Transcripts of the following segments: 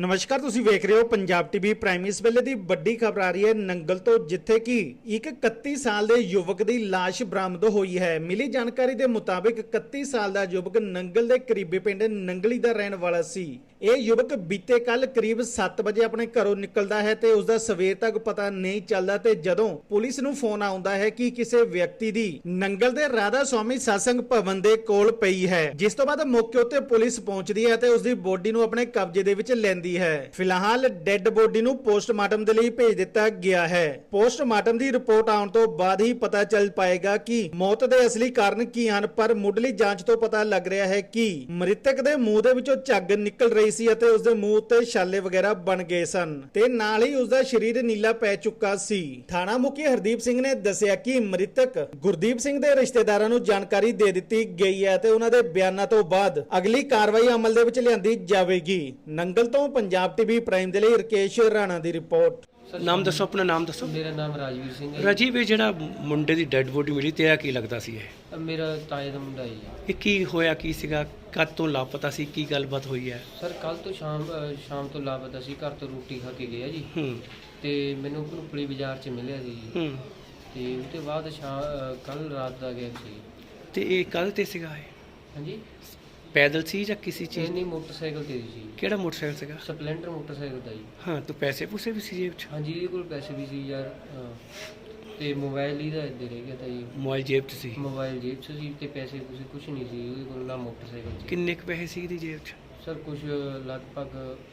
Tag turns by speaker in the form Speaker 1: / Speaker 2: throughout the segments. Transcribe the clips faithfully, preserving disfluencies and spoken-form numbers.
Speaker 1: नमस्कार, तुसी वेख रहे हो पंजाब टीवी प्राइम। इस वेले दी बड़ी खबर आ रही है नंगल तो, जिथे कि एक इकत्ती साल के युवक की लाश बरामद हुई है। मिली जानकारी के मुताबिक इकत्ती साल का युवक नंगल के करीबी पिंड नंगली का रहने वाला सी। यह युवक बीते कल करीब सत्त बजे अपने घरों निकलता है ते उसका सवेर तक पता नहीं चलता ते जदों पुलिस नूं फोन आउंदा है कि किसी व्यक्ति की नंगल के राधा स्वामी सत्संग भवन के कोल पई है, जिस तो बाद मौके उत्ते पुलिस पहुंचती है ते उसकी बॉडी नूं अपने कब्जे दे विच लैंदी है। फिलहाल डेड बॉडी नूं पोस्टमार्टम दे लई भेज दिता गया है। पोस्टमार्टम की रिपोर्ट आउण तो बाद ही पता चल पाएगा कि मौत के असली कारण की हैं, पर मुढ़ली जांच तो पता लग रहा है कि मृतक के मूंह दे विचों झग निकल रही सी ਅਤੇ ਉਸਦੇ ਮੂੰਹ ਉੱਤੇ ਛਾਲੇ ਵਗੈਰਾ ਬਣ ਗਏ ਸਨ ਤੇ ਨਾਲ ਹੀ ਉਸਦਾ ਸਰੀਰ ਨੀਲਾ ਪੈ ਚੁੱਕਾ ਸੀ। ਥਾਣਾ ਮੁਖੀ ਹਰਦੀਪ ਸਿੰਘ ਨੇ ਦੱਸਿਆ ਕਿ ਮ੍ਰਿਤਕ ਗੁਰਦੀਪ ਸਿੰਘ ਦੇ ਰਿਸ਼ਤੇਦਾਰਾਂ ਨੂੰ ਜਾਣਕਾਰੀ ਦੇ ਦਿੱਤੀ ਗਈ ਹੈ ਤੇ ਉਹਨਾਂ ਦੇ ਬਿਆਨਾਂ ਤੋਂ ਬਾਅਦ ਅਗਲੀ ਕਾਰਵਾਈ ਅਮਲ ਦੇ ਵਿੱਚ ਲਿਆਂਦੀ ਜਾਵੇਗੀ। ਨੰਗਲ ਤੋਂ ਪੰਜਾਬ ਟੀਵੀ ਪ੍ਰਾਈਮ ਦੇ ਲਈ ਰਕੇਸ਼ ਰਾਣਾ ਦੀ ਰਿਪੋर्ट।
Speaker 2: नाम दसो, अपना नाम दसो।
Speaker 3: मेरा नाम राजवीर सिंह है।
Speaker 2: राजीव ये ਜਿਹੜਾ ਮੁੰਡੇ ਦੀ ਡੈੱਡ ਬੋਡੀ ਮਿਲੀ ਤੇਰਾ ਕੀ ਲੱਗਦਾ ਸੀ ਇਹ?
Speaker 3: मेरा ताए ਦਾ ਮੁੰਡਾ ਜੀ।
Speaker 2: ਇਹ ਕੀ ਹੋਇਆ ਕੀ ਸੀਗਾ, ਕਦ ਤੋਂ ਲਾਪਤਾ ਸੀ, ਕੀ ਗੱਲਬਾਤ ਹੋਈ ਹੈ?
Speaker 3: ਸਰ ਕੱਲ ਤੋਂ ਸ਼ਾਮ ਅ, ਸ਼ਾਮ ਤੋਂ ਲਾਪਤਾ ਸੀ। ਘਰ ਤੋਂ ਰੋਟੀ ਖਾ ਕੇ ਗਿਆ ਜੀ
Speaker 2: ਹੂੰ
Speaker 3: ਤੇ ਮੈਨੂੰ ਭਨੂਪਲੀ ਬਾਜ਼ਾਰ 'ਚ ਮਿਲਿਆ ਸੀ ਜੀ।
Speaker 2: ਹੂੰ
Speaker 3: ਤੇ ਉਸ ਤੋਂ ਬਾਅਦ ਸ਼ਾਮ ਕੱਲ ਰਾਤ ਦਾ ਗਿਆ ਸੀ।
Speaker 2: ਤੇ ਇਹ ਕੱਲ ਤੇ ਸੀਗਾ ਇਹ?
Speaker 3: ਹਾਂਜੀ,
Speaker 2: ਪੈਦਲ ਸੀ ਜਾਂ ਕਿਸੇ
Speaker 3: ਇਹ
Speaker 2: ਚੀਜ਼?
Speaker 3: ਨਹੀਂ ਮੋਟਰਸਾਈਕਲ ਤੇ ਸੀ।
Speaker 2: ਕਿਹੜਾ ਮੋਟਰਸਾਈਕਲ ਸੀਗਾ?
Speaker 3: ਸਪਲੈਂਡਰ ਮੋਟਰਸਾਈਕਲ ਦਾ ਜੀ।
Speaker 2: ਹਾਂ, ਤੂੰ ਪੈਸੇ ਪੂਸੇ ਵੀ ਸੀ ਜੇਬ 'ਚ?
Speaker 3: ਹਾਂਜੀ, ਇਹਦੇ ਕੋਲ ਪੈਸੇ ਵੀ ਸੀ ਯਾਰ। ਹਾਂ, ਤੇ ਮੋਬਾਈਲ ਹੀ ਦਾ ਇੱਧਰ ਰਹਿ ਗਿਆ ਤਾਂ ਜੀ।
Speaker 2: ਮੋਬਾਈਲ ਜੇਬ 'ਚ ਸੀ?
Speaker 3: ਮੋਬਾਈਲ ਜੇਬ 'ਚ ਸੀ ਤੇ ਪੈਸੇ ਪੂਸੇ ਕੁਝ ਨਹੀਂ ਸੀ ਉਹਦੇ ਕੋਲ, ਨਾ ਮੋਟਰਸਾਈਕਲ 'ਚ।
Speaker 2: ਕਿੰਨੇ ਕੁ ਪੈਸੇ ਸੀ ਇਹਦੀ ਜੇਬ 'ਚ?
Speaker 3: ਸਰ ਕੁਝ ਲਗਭਗ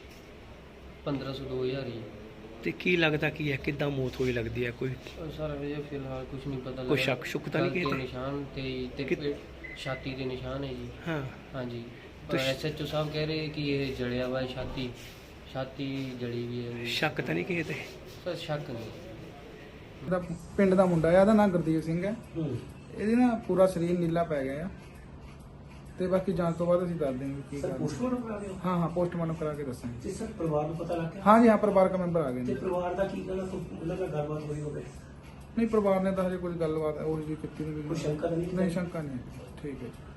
Speaker 3: ਪੰਦਰਾਂ ਸੌ ਦੋ ਹਜ਼ਾਰ ਜੀ।
Speaker 2: ਤੇ ਕੀ ਲੱਗਦਾ ਕੀ ਹੈ, ਕਿੱਦਾਂ ਮੌਤ ਹੋਈ ਲੱਗਦੀ ਹੈ? ਕੋਈ
Speaker 3: ਸਰ ਅਜੇ ਫਿਲਹਾਲ ਕੁਝ ਨਹੀਂ ਪਤਾ ਲੱਗਾ।
Speaker 2: ਕੋਈ ਸ਼ੱਕ ਸ਼ੁਕ ਤਾਂ ਨਹੀਂ
Speaker 3: ਗਲ
Speaker 2: ਕਿਸੇ
Speaker 3: ਦੇ
Speaker 2: ਤੇ?
Speaker 3: ਨਿਸ਼ਾਨ ਤੇ ਤੇ
Speaker 2: ਕਿ-
Speaker 3: ਪੇਟ- ਛਾਤੀ ਦੇ ਨਿਸ਼ਾਨ ਹੈ ਜੀ।
Speaker 2: ਹਾਂ,
Speaker 3: ਹਾਂਜੀ,
Speaker 2: ਤੇ ਸ਼-
Speaker 3: ਐਸਐਚਓ ਸਾਹਿਬ ਕਹਿ ਰਹੇ ਕਿ ਇਹ ਜਲਿਆ ਵਾ, ਛਾਤੀ ਛਾਤੀ ਜਲੀ ਵੀ ਹੈ।
Speaker 2: ਸ਼ੱਕ ਤਾਂ ਨਹੀਂ ਕਿਸੇ ਤੇ?
Speaker 3: ਸਰ ਸ਼ੱਕ ਨਹੀਂ।
Speaker 4: ਦਾ ਪਿੰਡ ਦਾ ਮੁੰਡਾ ਆ, ਇਹਦਾ ਨਾਮ ਗੁਰਦੀਪ ਸਿੰਘ ਹੈ। ਇਹਦੀ ਨਾ ਪੂਰਾ ਸਰੀਰ ਨੀਲਾ ਪੈ ਗਿਆ ਆ ਤੇ ਬਾਕੀ ਜਾਂਚ ਤੋਂ ਬਾਅਦ ਅਸੀਂ ਦੱਸ ਦੇਵਾਂਗੇ ਕੀ
Speaker 5: ਸਰ
Speaker 4: ਕਰਨਾ।
Speaker 5: ਪੋਸਟਮਾਰਟਮ ਕਰਾ ਦਿਓ।
Speaker 4: ਹਾਂ ਹਾਂ ਪੋਸਟਮਾਰਟਮ ਕਰਾ ਕੇ ਦੱਸਾਂਗੇ।
Speaker 5: ਤੇ ਸਰ ਪਰਿਵਾਰ ਨੂੰ ਪਤਾ ਲੱਗ ਗਿਆ?
Speaker 4: ਹਾਂ ਜੀ ਹਾਂ, ਪਰਿਵਾਰਕ ਮੈਂਬਰ ਆ ਗਏ
Speaker 5: ਤੇ
Speaker 4: ਨੇ।
Speaker 5: ਪਰਿਵਾਰ ਦਾ ਕੀ ਕਹਿਣਾ, ਤੋਂ ਉਹਨਾਂ ਨਾਲ ਗੱਲਬਾਤ ਹੋਈ ਹੋਵੇ?
Speaker 4: ਨਹੀਂ, ਪਰਿਵਾਰ ਨੇ ਤਾਂ ਹਜੇ ਕੋਈ ਗੱਲਬਾਤ ਉਹ ਜੀ ਕੀਤੀ ਨਹੀਂ।
Speaker 5: ਕੋਈ ਸ਼ੰਕਾ ਤਾਂ ਨਹੀਂ?
Speaker 4: ਨਹੀਂ, ਸ਼ੰਕਾ ਨਹੀਂ। ਠੀਕ ਹੈ ਜੀ।